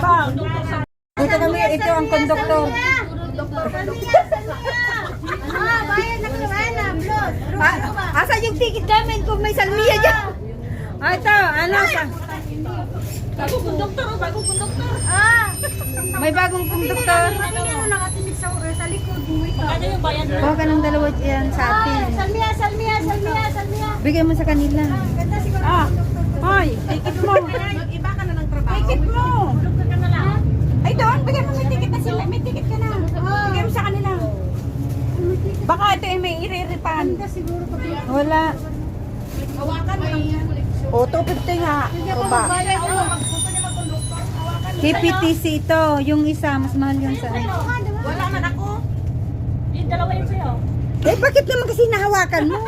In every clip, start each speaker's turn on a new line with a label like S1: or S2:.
S1: Ito kami, ito ang konduktor.
S2: Bayad na naman,
S1: Asa yung ticket namin kung may salmiya dyan? Ito, ano sa...
S2: Bagong konduktor.
S1: May bagong konduktor.
S2: Ano nakatinig sa likod.
S3: Ano yung bayan?
S1: Kuha ka ng dalawa yan sa atin.
S2: Salmiya.
S1: Bigay mo sa kanila.
S2: Ganda siguro.
S1: Hoy, ticket mo.
S2: Mag-iba ka na ng trabaho.
S1: Ticket mo.
S2: Konduktor ka na lang.
S1: Ay doon, bigay mo may ticket na sila. May ticket ka na. Bigay mo sa kanila. Baka ito ay may iriripan.
S2: Ganda siguro pag
S1: Wala.
S2: hawakan mo lang yan.
S1: O, 250 nga. O ba?
S2: Bayad mo. Gusto niya mag-konduktor. Hawakan mo.
S1: KPTC ito. Yung isa, mas mahal yung sa...
S2: Wala man ako.
S3: Yung dalawa yun sa'yo.
S1: Eh, bakit naman kasi nahawakan mo?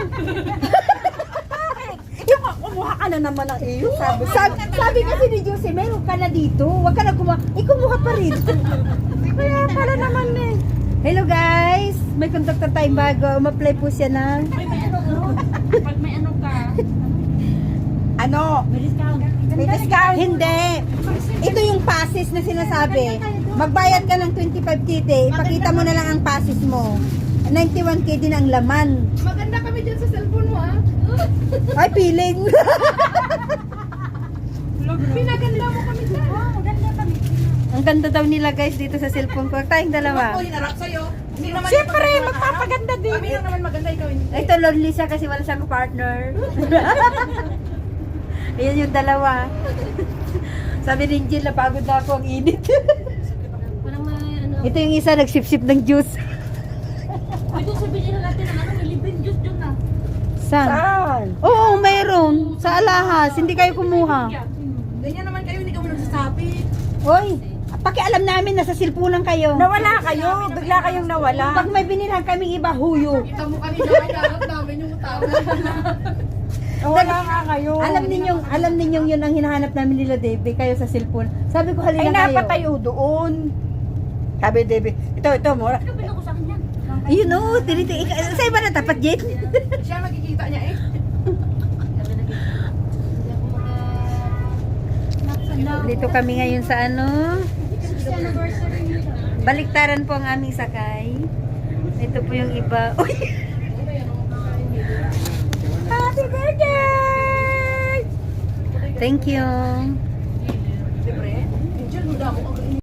S1: Yung kumuha ka na naman ng iyo. Sabi kasi ni Josie, meron ka na dito. Huwag ka na kumuha. Kumuha pa rin. Kaya pala naman eh. Hello guys! May conductor tayong bago. Ma-play po siya na.
S3: May ano pag may ano ka,
S1: Ano?
S3: may discount.
S1: May discount? Hindi. Ito yung passes na sinasabi. Magbayad ka ng 25 tite. Ipakita mo na lang ang passes mo. 91k din ang laman.
S2: Maganda kami dyan sa cellphone mo, ha?
S1: Ay, piling.
S2: Pinaganda mo kami dyan. Ganda kami.
S1: Ang ganda daw nila guys dito sa cellphone ko. Tayong dalawa.
S2: Hinarap sa'yo. Hindi naman
S1: Siyempre, magpapaganda din.
S2: Kami lang naman maganda, ikaw hindi.
S1: Ito, lonely siya kasi wala siyang partner. Ayan yung dalawa. Sabi ni Jill, napagod na ako, ang init.
S3: Parang may ano.
S1: Ito yung isa, nagsip-sip ng juice.
S3: Ay, doon sabihin na natin ang ano, may libreng juice dun na.
S1: Saan? Oo, mayroon. Sa alahas, hindi kayo kumuha.
S2: Ganyan naman kayo, hindi kami nagsasabi.
S1: Hoy, pakialam namin, nasa silpunan kayo. Nawala kayo, bigla kayong nawala. Pag may binilhan kaming iba, huyo.
S2: Kita mo kanina, hinarap namin yung tao.
S1: Wala nga kayo. Alam ninyong yun ang hinahanap namin nila, Debe, kayo sa cellphone. Sabi ko, halina kayo. Ay, napatayo doon. Sabi, Debe, ito, mura.
S3: Ano pinako sa akin yan?
S1: Ayun o, sa iba na tapat, Jen.
S2: Siya makikita niya eh.
S1: Dito kami ngayon sa ano. Baliktaran po ang aming sakay. Ito po yung iba. Uy! Happy birthday! Thank you.
S2: Siyempre, Angel, muda ako.